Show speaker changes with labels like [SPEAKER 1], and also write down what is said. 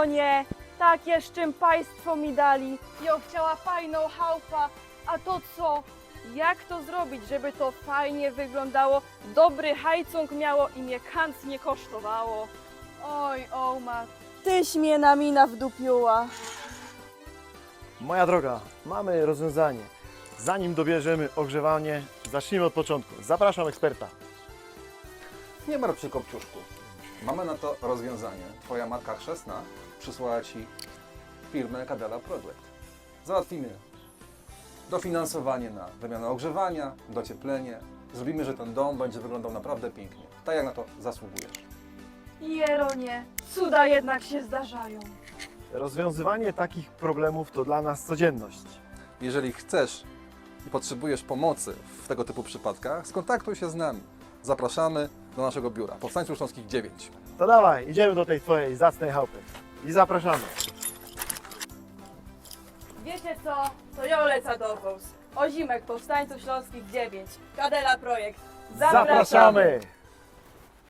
[SPEAKER 1] Jeronie, takie z czym państwo mi dali. Ja chciała fajną chałupę, a to co? Jak to zrobić, żeby to fajnie wyglądało, dobry hajcung miało i mnie kant nie kosztowało? Oj, Ołma, tyś mnie na mina wdupiła.
[SPEAKER 2] Moja droga, mamy rozwiązanie. Zanim dobierzemy ogrzewanie, zacznijmy od początku. Zapraszam eksperta.
[SPEAKER 3] Nie martw się, Kopciuszku. Mamy na to rozwiązanie. Twoja matka chrzestna przysłała Ci firmę Kadela Project. Załatwimy dofinansowanie na wymianę ogrzewania, docieplenie. Zrobimy, że ten dom będzie wyglądał naprawdę pięknie. Tak jak na to zasługujesz.
[SPEAKER 1] Jeronie, cuda jednak się zdarzają.
[SPEAKER 2] Rozwiązywanie takich problemów to dla nas codzienność.
[SPEAKER 3] Jeżeli chcesz i potrzebujesz pomocy w tego typu przypadkach, skontaktuj się z nami. Zapraszamy do naszego biura. Powstańców Śląskich 9.
[SPEAKER 2] To dawaj, idziemy do tej twojej zacnej chałupy. I zapraszamy.
[SPEAKER 1] Wiecie co? To ja lecę do was. Ozimek Powstańców Śląskich 9. Kadela Projekt.
[SPEAKER 2] Zapraszamy!